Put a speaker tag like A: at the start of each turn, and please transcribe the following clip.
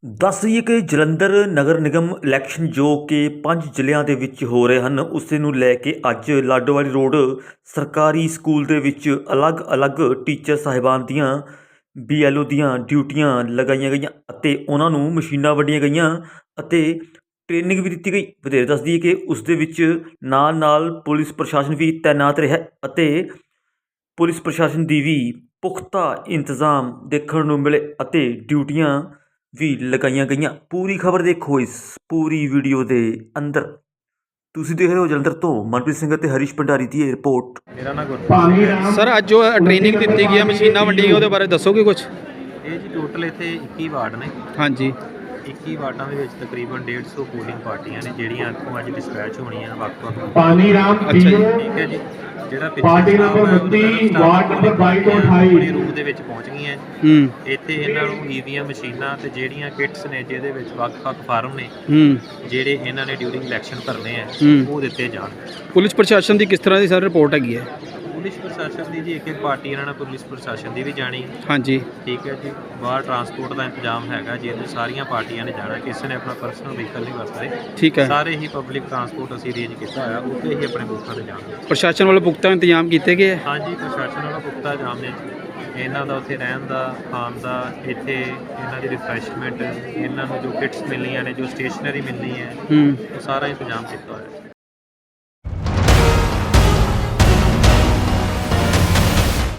A: ਦੱਸ ਦਈਏ ਕਿ ਜਲੰਧਰ ਨਗਰ ਨਿਗਮ ਇਲੈਕਸ਼ਨ ਜੋ ਕਿ 5 ਜ਼ਿਲ੍ਹਿਆਂ ਦੇ ਵਿੱਚ ਹੋ ਰਹੇ ਹਨ, ਉਸੇ ਨੂੰ ਲੈ ਕੇ ਅੱਜ ਲਾਡੋਵਾਲੀ ਰੋਡ ਸਰਕਾਰੀ ਸਕੂਲ ਦੇ ਵਿੱਚ ਅਲੱਗ-ਅਲੱਗ ਟੀਚਰ ਸਾਹਿਬਾਨ ਦੀਆਂ BLO ਦੀਆਂ ਡਿਊਟੀਆਂ ਲਗਾਈਆਂ ਗਈਆਂ ਅਤੇ ਉਹਨਾਂ ਨੂੰ ਮਸ਼ੀਨਾਂ ਵੰਡੀਆਂ ਗਈਆਂ ਅਤੇ ਟ੍ਰੇਨਿੰਗ ਵੀ ਦਿੱਤੀ ਗਈ। ਵਧੇਰੇ ਦੱਸ ਦਈਏ ਕਿ ਉਸ ਦੇ ਵਿੱਚ ਨਾਲ ਪੁਲਿਸ ਪ੍ਰਸ਼ਾਸਨ ਵੀ ਤੈਨਾਤ ਰਿਹਾ ਅਤੇ ਪੁਲਿਸ ਪ੍ਰਸ਼ਾਸਨ ਦੀ ਵੀ ਪੁਖਤਾ ਇੰਤਜ਼ਾਮ ਦੇਖਣ ਨੂੰ ਮਿਲੇ ਅਤੇ ਡਿਊਟੀਆਂ ਵੀ ਲਗਾਈਆਂ ਗਈਆਂ। ਪੂਰੀ ਖਬਰ ਦੇਖੋ ਇਸ ਪੂਰੀ ਵੀਡੀਓ ਦੇ ਅੰਦਰ। ਤੁਸੀਂ ਦੇਖ ਰਹੇ ਹੋ ਜਲੰਧਰ ਤੋਂ ਮਨਪ੍ਰੀਤ ਸਿੰਘ ਅਤੇ ਹਰੀਸ਼ ਭੰਡਾਰੀ ਦੀ ਰਿਪੋਰਟ।
B: ਮੇਰਾ ਨਾਮ ਗੁਰਪ੍ਰੀਤ
C: ਸਰ ਅੱਜ ਜੋ ਟ੍ਰੇਨਿੰਗ ਦਿੱਤੀ ਗਈ ਹੈ ਮਸ਼ੀਨਾਂ ਵੰਡੀਆਂ ਉਹਦੇ ਬਾਰੇ ਦੱਸੋਗੇ ਕੁਝ?
B: ਇਹ ਜੀ ਟੋਟਲ ਇੱਥੇ 21 ਵਾਰਡ ਨੇ।
C: ਹਾਂਜੀ
B: 21 ਵਾਰਡਾਂ ਦੇ ਵਿੱਚ ਤਕਰੀਬਨ 150 ਪੋਲਿੰਗ ਪਾਰਟੀਆਂ ਨੇ ਜਿਹੜੀਆਂ ਇੱਥੋਂ ਅੱਜ ਡਿਸਪੈਚ ਹੋਣੀਆਂ ਵੱਖ-ਵੱਖ।
D: ਪਾਣੀ ਰਾਮ
C: ਅੱਛਾ ਜੀ।
B: ਠੀਕ ਹੈ ਜੀ। ਜਿਹੜਾ
D: ਪਾਰਟੀ ਨੰਬਰ 32 ਵਾਰਡ ਨੰਬਰ 22 ਤੋਂ 28
B: ਆਪਣੇ ਰੂਮ ਦੇ ਵਿੱਚ ਪਹੁੰਚ ਗਈਆਂ। ਇੱਥੇ ਇਹਨਾਂ ਨੂੰ EVM ਮਸ਼ੀਨਾਂ ਤੇ ਜਿਹੜੀਆਂ ਕਿਟਸ ਨੇ ਜਿਹਦੇ ਵਿੱਚ ਵੱਖ-ਵੱਖ ਫਾਰਮ ਨੇ ਜਿਹੜੇ ਇਹਨਾਂ ਨੇ ਡਿਊਰਿੰਗ ਇਲੈਕਸ਼ਨ ਭਰਨੇ ਆ ਉਹ ਦਿੱਤੇ ਜਾਣ।
C: ਪੁਲਿਸ ਪ੍ਰਸ਼ਾਸਨ ਦੀ ਕਿਸ ਤਰ੍ਹਾਂ ਦੀ ਸਰ ਰਿਪੋਰਟ ਹੈਗੀ ਹੈ?
B: ਪੁਲਿਸ ਪ੍ਰਸ਼ਾਸਨ ਦੀ ਜੀ ਇੱਕ ਪਾਰਟੀ ਇਹਨਾਂ ਨਾਲ ਪੁਲਿਸ ਪ੍ਰਸ਼ਾਸਨ ਦੀ ਵੀ ਜਾਣੀ।
C: ਹਾਂਜੀ
B: ਠੀਕ ਹੈ ਜੀ। ਬਾਹਰ ਟਰਾਂਸਪੋਰਟ ਦਾ ਇੰਤਜ਼ਾਮ ਹੈਗਾ ਜਿਹਦੇ ਸਾਰੀਆਂ ਪਾਰਟੀਆਂ ਨੇ ਜਾਣਾ। ਕਿਸੇ ਨੇ ਆਪਣਾ ਪਰਸਨਲ ਵਹੀਕਲ ਨਹੀਂ ਵਰਤਦੇ।
C: ਠੀਕ ਹੈ।
B: ਸਾਰੇ ਹੀ ਪਬਲਿਕ ਟਰਾਂਸਪੋਰਟ ਅਸੀਂ ਅਰੇਂਜ ਕੀਤਾ ਹੋਇਆ, ਉੱਥੇ ਹੀ ਆਪਣੇ ਬੂਥਾਂ ਤੇ ਜਾਣਾ।
C: ਪ੍ਰਸ਼ਾਸਨ ਵੱਲੋਂ ਪੁਖਤਾ ਇੰਤਜ਼ਾਮ ਕੀਤੇ ਗਏ ਹੈ?
B: ਹਾਂਜੀ ਪ੍ਰਸ਼ਾਸਨ ਵਾਲਾ ਪੁਖਤਾ ਇੰਤਜ਼ਾਮ ਨੇ ਇਹਨਾਂ ਦਾ ਉੱਥੇ ਰਹਿਣ ਦਾ, ਖਾਣ ਦਾ, ਇੱਥੇ ਇਹਨਾਂ ਦੀ ਰਿਫਰੈਸ਼ਮੈਂਟ, ਇਹਨਾਂ ਨੂੰ ਜੋ ਕਿਟਸ ਮਿਲਣੀਆਂ ਨੇ, ਜੋ ਸਟੇਸ਼ਨਰੀ ਮਿਲਣੀ ਹੈ, ਉਹ ਸਾਰਾ ਇੰਤਜ਼ਾਮ ਕੀਤਾ ਹੋਇਆ।